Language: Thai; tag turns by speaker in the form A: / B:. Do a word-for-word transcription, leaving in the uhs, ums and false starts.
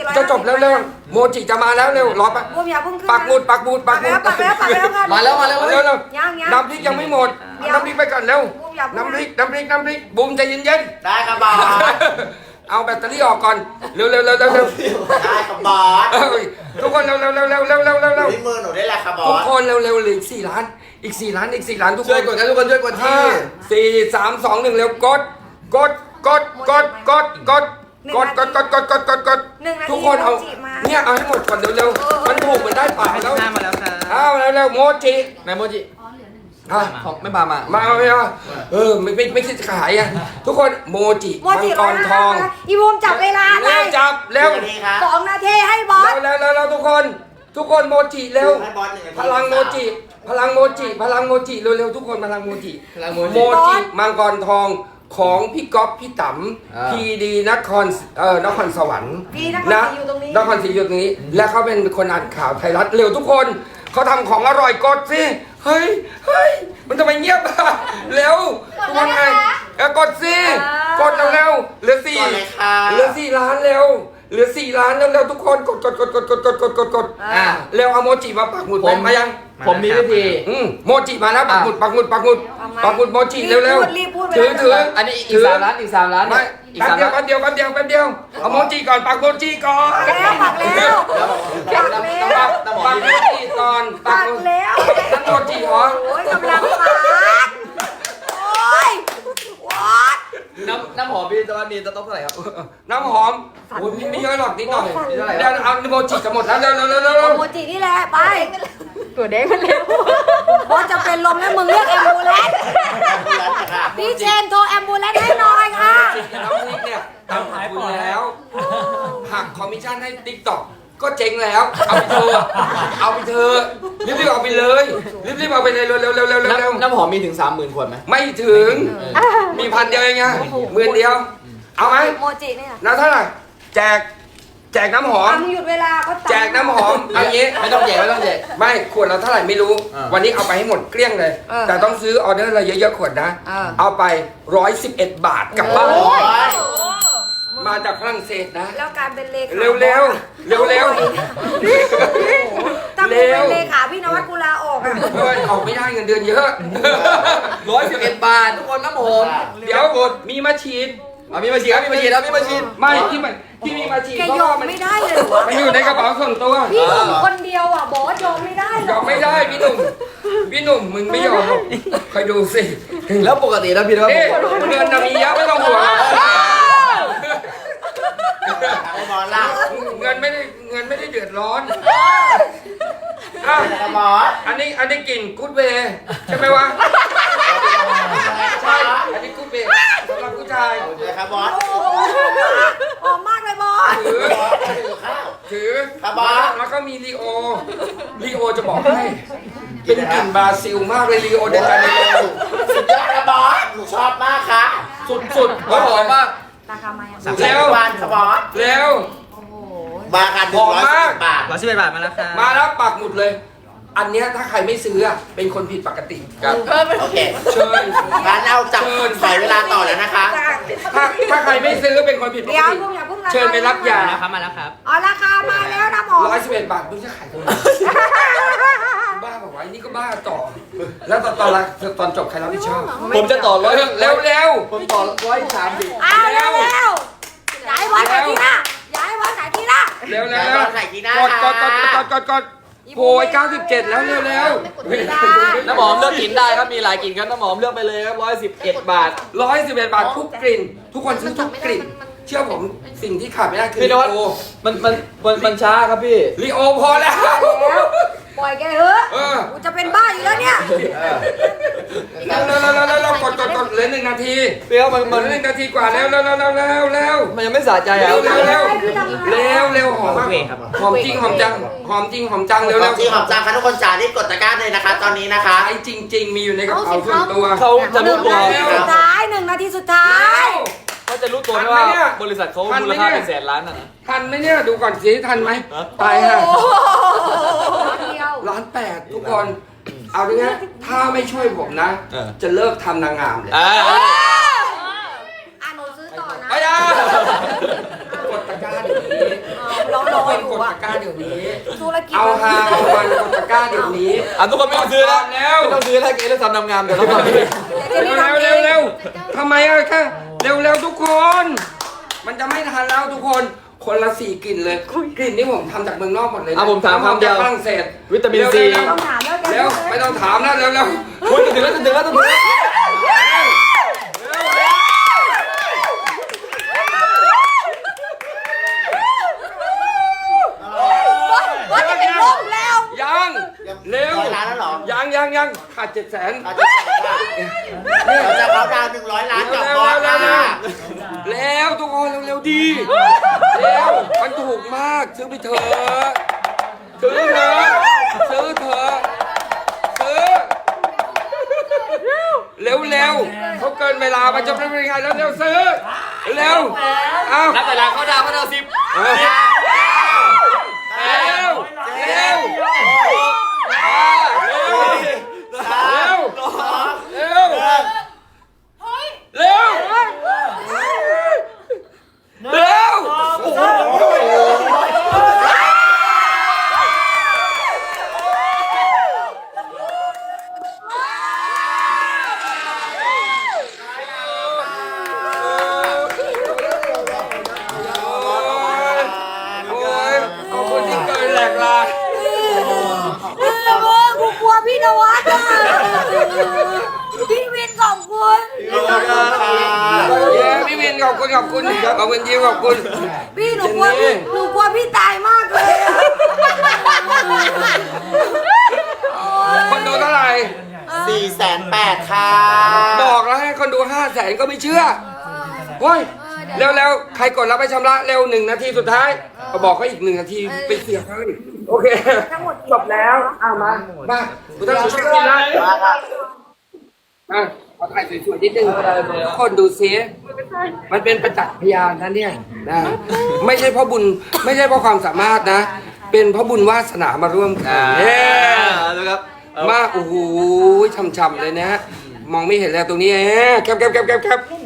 A: ร้อย
B: จะจบแล้วเร็วโมจิจะมาแล้วเร็วรอปะ
A: บูมอย่าเพิ่งขึ้น
B: ปักหมุดปักหมุดปักหมุด
A: ปักแล้วปักแล้วปักแล้วค่ะ
C: มาแล้วมาแล้ว
B: เร็วเร็ว
A: ยังยัง
B: น้ำพริกยังไม่หมดเอาน้ำพริกไปก่อนเร็ว
A: บูมอย่าเพิ่ง
B: น้ำพริกน้ำพริกน้ำพริกบูมใจเย็น
D: ได้ครับบอส
B: ๆเอาแบตเตอรี่ออกก่อนเร็วเร็วเร็วเร็วเร็ว
D: ได้ครับบอส
B: เอ้ยทุกคนเร็วเร็วเร็วเร็วเร็วเร็วเร็วเร็ว
D: ที่มือหนูได้แหละครับบอ
B: ทุก
D: ส
B: คนเร็วเร็วเหลืออีกสี่ล้านอีกสี่ล้านอีกสี่ล้านทุกค
C: ช่วย
B: น
C: กดกันทุกคนช่วยกด
B: ห้า
C: ที่
B: สี่สามสองหนึ่งเร็วกดกดกดกดกดกดกดกดกดกดกดกดกด
A: หนึ่งนาที
B: ทุกคนเอา
A: โมจิมา
B: เนี่ยเอาให้หมดก่อนเร็วๆมันถูกเหมือนได้ปากแล้ว
C: ห้ามาแล้วครับ
B: เอาเร็วๆโมจิ
C: นายโมจิ
B: อ่ะ
C: ของไม่พามา
B: มาเอาไม่เอาเออไม่ไม่ไม่คิดจะขายอ่ะทุกคนโมจิ
A: โม
B: มัง
A: จิ
B: กรทอง
A: อีบูมจับเวลาเล
B: เร็วย จับเร็ว
D: หนึ่งนาทีครับ
A: สองนาทีให้บอส
B: เร็วเร็วเร็วทุกคน ทุกคนโมจิเร็ว
D: ให้บอสหนึ่งนาที
B: พลังโมจิ พลังโมจิ พลังโมจิเร็วๆทุกคนพลังโมจิ
C: พลังโมจิ
B: โมจิมังกรทองของพี่ก๊อฟพี่ต๋
C: อ่า
B: ำพีดีนครเอ่อนครสวรรค์
A: พี่นครศรีอยู่ตรงนี้
B: นครศรีอยู่ตรงนี้ และเขาเป็นคนอ่านข่าวไทยรัฐเร็วทุกคนเขาทำของอร่อยกดสิเฮ้ยเฮ้ยมันทำไมเงียบอ่ะเร็วทุกคนไงเออกดสิกดเร็วๆเหลือสี่
D: ก่อนเลยค่ะ
B: เหลือสี่ล้านเร็วเหลือสี่ล้านเร็วๆทุกคนกดกดกดกดกดกดกดกดกด
C: อ่ะ
B: เร็วเอาโมจิมาปักหมุด
C: ผม
B: มายัง
C: ผมมีวิธี
B: อืมโมจิมาแล้วปักหมุดปักหมุดปักหมุด
A: ทำไม
B: ปักหมุดโมจิเร็วเร็ว
A: รีบพูด
B: ถือ
A: รีบพูด
B: ถือ
C: อันนี้อีกสามล้านอีกสามล้าน
B: ไม่
C: อีก
B: แป๊บ
C: สาม
B: เดียว
C: ล้าน
B: แป๊บเดียวแป๊บเดียวแป๊บเดียวเอาโมจิก่อนปักโมจิก่อน
A: แล้วปักแล้ว
C: น้ำน้ำน้ำน้ำหอม
B: ปัก
C: มี
B: โมจิก่อนปั
A: ปั
B: ก
A: ก
B: โม
A: แล้ว
B: นั่นโมจิเหรอ
A: โอ้ยกำลังปักโอ้ยวอด
C: น้ำน้ำหอมพี่ตะวันมีจะต้องเท่าไหร่ครับ
B: น้ำหอมโอ้ยไม่เยอะหรอกนิดหน่อย
C: นี่เท่าไหร่
B: เดี๋ยวเอาโมจิจะหมดแล้วเร็วเร็วเร็วเร็วเร็ว
A: โมจินี่แหละไปตัวเด้งมันเร็วบอสจะเป็นลมแล้วมึงเรียกแอมบูเลนซ์พี่เชนโทรแอมบูเลนซ์ให้หน่อยค่ะ
B: น้ำพริกเนี่ยทำขายคุณแล้วหักคอมมิชชั่นให้ติ๊กต็อกก็เจ๊งแล้ว เอาไปเถอะเอาไปเถอะรีบๆเอาไปเลยรีบๆเอาไปเลยเร็วๆเร็วๆเร็วๆเร็ว
C: น้ำน้ำหอมมีถึงสามหมื่นขวดไหม
B: ๆไม่ถึงมีพันเดียวเองไงหมื่นเดียว เอาไหม
A: โมจิเนี่ย
B: แล้วเท่าไหร่แจกแจกน้ำหอม
A: อ่ะมึงหยุดเวลาก็ตัด
B: แจกน้ำหอมเอางี้
C: ไม่ต้องแจกไม่ต้องแจก
B: ไม่ขวดละเท่าไหร่ไม่รู้
C: อ่า
B: วันนี้เอาไปให้หมดเกลี้ยงเลย
A: เออ
B: แต่ต้องซื้อออเดอร์อะไรเยอะๆขวดนะ
A: เออ
B: เอาไปร้อยสิบเอ็ดบาทกลับบ้าน
A: โอ้ย
B: มาจากฝรั่งเศสนะ
A: แล้วการเป็นเลขา
B: เร็วเร็วเร็วเร็ว
A: ถ้ากูเป็นเลขาพี่นวัดกูลาออกอ่ะ
B: เฮ้ยออกไม่ได้เงินเดือนเยอะ
C: ร้อยสิบเอ็ดบาททุกคนน้ำหอม
B: เดี๋ยวกดมีมาฉีด
C: เอามีมาฉีดครับมีมาฉีดครับมีมาฉีด
B: ไม่ที่มันที่มีมาฉีด
A: แก
B: เพราะ
A: ยอ
B: ว่าม มัน
A: ไม่ได้เลยเหรอวะ
B: มันอยู่ในกระเป๋าส่วนตัว
A: พี่หนุ่มคนเดียวอ่ะบอสยอมไม่ได้หร
B: ย
A: อ
B: อมไม่ได้พี่หนุ่มพี่หนุ่มมึงไม่ยอมหรอกคอยดูสิ
C: แล้วปกตินะพี่นะ
B: เอ๊ะเงินน่ะมีเยอะไม่ต้องห่วง
D: ไอ้บอสล่ะ
B: เงินไม่ได้เงินไม่ได้เดือดร้อนอ่ะ
D: ไอ้บอส
B: อันนี้อันนี้กลิ่นกูดเวย์ใช่ไหมวะใช่อันนี้กูดเวย์สำหรับผู้ชาย
D: เลยครับบอส
A: หอมมากเลยบอส
B: ถือ
D: บอสถือข้าว
B: ถือ
D: ครับบอส
B: แล้วก็มีลีโอลีโอจะบอกให้เป็นกลิ่นบราซิลมากเลยลีโอเดจาเนโร
D: สุดยอดครับบอสหนูชอบมากค่ะ
B: สุดๆ
C: เขาหอมมาก
A: ราคาไม่อ่ะ
D: สามสิบวันครับบอส
B: เร็ว
A: โอ้โห
D: มากันหนึ่งร้อยสิบบาท
C: ร้อยสิบเอ็ดบาทมาแล้วครับ
B: มาแล้วปักหมุดเลย อันเนี้ยถ้าใครไม่ซื้ออะเป็นคนผิดปกติ
C: ครับ
D: โอเค
B: เชิญ
D: งั้นเอาจับใส่เวลาต่อแล้วนะคะ
B: ถ้าถ้าใครไม่ซื้อเป็นคนผิดปก
A: เดี๋ยว
B: ติ
A: พวกอย่าเพิ่งราคา
B: เชิญไปรับยา
C: ครับมาแล้วครับ
A: อ๋อราคามาแล้วนะหมอ
B: ร้อยสิบเอ็ดบาทมึงจะขายทำไมบ้าบ้าต่อ แล้วตอนตอนละตอนจบใครรับผิดชอบ
C: ผมจะต่อร้อย
B: เร็วเร็ว
C: ผมต่อร้อยสามสิบ
A: อ้าวเร็วเร็วย้ายวันไหนทีหน้าย้ายวันไหนทีหน้า
B: เร็วเร็ว
D: แล้ว
B: เร็ว
D: ตอนไหนทีหน้าก
B: ดกดกดกดกดกดโอ้ยเก้าสิบเจ็ดแล้วเร็วเร็ว
C: น้ำหอมเลือกกลิ่นได้ครับมีหลายกลิ่นครับน้ำหอมเลือกไปเลยครับร้อยสิบเอ็ดบาท
B: ร้อยสิบเอ็ดบาททุกกลิ่น ทุกคนซื้อทุกกลิ่น เชื่อผมสิ่งที่ขาดไม่ได้คือ
C: พี่น
B: ลิ
C: วัด
B: โอ
C: มันมันมันมันช้าครับพี่
B: ลิโอพอแล้ว
A: ปล่อยแกเถอะ
B: เออ
A: กูจะเป็นบ้าอยู่แล้วเนี่ย
B: เร็วเร็วเร็วเร็วเร็วกดกดกดเหลือหนึ่งนาที
C: พี่ครับมัน
B: เหลื
C: มั
B: อน หนึ่งนาทีกว่าแล้วเร็วเร็วเร็วเร็วเร็ว
C: มันยังไม่สะใจอ่ะ
B: เร็วเร็วเร็วเร็วเร็วหอมมากหอมจริงหอมจังหอมจริงหอมจังเร็ว
D: ข
B: เร็
D: อ
B: ว
D: งจริงของจังค่ะทุกคนจ๋ารีบกดตะกร้าเลยนะคะ ตอนนี้นะคะ
B: ไอ้จริง ๆ มีอยู่ในกระเป๋าส่วนตัว
C: เขาจะ
A: ห
C: รู้
A: นึ่ง
C: ตัว
A: นาทีสุดท้ายหนึ่งนาทีสุดท้าย
C: เขาจะรู้ตัวไหม
B: ทันไหม
C: ว่า
B: เนี่ย
C: บริษัทเขา
B: ทันไหม
C: มูลค่า
B: เนี่ย
C: เป็นแสนล้านน่ะนะ
B: ทันไหมเนี่ยดูก่อนสิทันไหม
C: ฮะ
B: ตายฮะ
A: โอ้โหเดียว
B: ล้านแปดทุกคนเอาดิฮะถ้าไม่ช่วยผมนะ จะเลิกทำนางงามเลย
C: อ่า
A: อ่ะหนูซื้อต่อนะ
B: ไปอ่ะกดตะกร้าเดี๋ยวนี้
A: เรา
B: ทุ
A: ร
B: ก
A: อ
B: คน
A: อยู่
B: กด
A: อะ
B: ตะกร้าเดี๋ยวนี้
A: ธุรกิจ
B: เอาฮาเอามันกดตะกร้าเดี๋ยวนี้
C: อ่ะทุกคนไม่ต้องซื้อแล้ว
B: แล้ว
C: ไม่ต้องซื้อแล้วเกเรื่องทำนำงามเดี๋ยวเราทำ
A: เดี๋ยวเจน
B: เร็
A: นี่
B: ว
A: ทำเอ
B: เร็ว
A: ง
B: เร็วทำไมอะแค่เร็วเร็วทุกคน มันจะไม่ทันแล้วทุกคนคนละสี่กลิ่นเลยกลิ่นที่ผมทำจากเมืองนอกหมดเลยนะ
C: อ่ะผมถามคำเดียว
B: ฝรั่งเศส
C: วิตามินซี
B: เร็ว
A: ต้องถามแล้วแก
B: เร็วไม่ต้องถามนะเร็วเร็ว
C: คุณจะถึงแล้วจะถึงแล้วจะถึงแล้ว
A: ว่าจะเป็นลมแล้ว
B: ยังเร็ว
D: ร้อยล้านแล้วเหรอ
B: ยังยังยังขาดเจ็ดแสน
D: เอาจะใส่ค่ะเราจะเขาดาวหนึ่งร้อยล้านกับบอสค่ะ
B: แล้วทุกคนเร็วๆดีเร็วมันถูกมากซื้อไปเถอะซื้อเถอะซื้อเถอะซื้อเร็วเร็วๆเขาเกินเวลามันจะไม่เป็นไงแล้วเร็วซื้อเร็วเอา
C: นับแต่ละเขาดาวเขาดาวสิบ
B: เอาเร็วเร็วเร็วเร็วเร็วเร็วเร็วโอ้ยขอบคุณที่เกินแหลกลา
A: เออกูกลัวพี่นวัดอ่ะพี่วินขอบคุณ
B: เย้พี่วินขอบคุณขอบคุณขอบคุณยิ้มขอบคุณ
A: พี่หนูกลัวพี่หนูกลัวพี่ตายมากเลยอะ
B: คนดูเท่าไหร่
D: สี่แสนแปดค่ะ
B: บอกแล้วให้คนดูห้าแสนก็ไม่เชื่อเฮ้ยเร็วๆใครกดรับไปชำระเร็วหนึ่งนาทีสุดท้ายก็บอกเขาอีกหนึ่งนาทีไปเสียเขาอีกโอเคจบแล้วอ้าวมามาคุณต้องช่วยกินนะ
D: มาค่ะ
B: อ่ะขอถ่ายสวยๆนิดนึงทุกคนดูซิมันเป็นประจักษ์พยานนะเนี่ยนะไม่ใช่เพราะบุญไม่ใช่เพราะความสามารถนะ เป็นเพราะบุญวาสนามาร่วมกัน
C: อ่า
B: เย้
C: ดูครับ
B: มาโอ้โหช่ำๆเลยนะฮะมองไม่เห็นแล้วตรงนี้แหมแคบแคบแคบแคบแคบ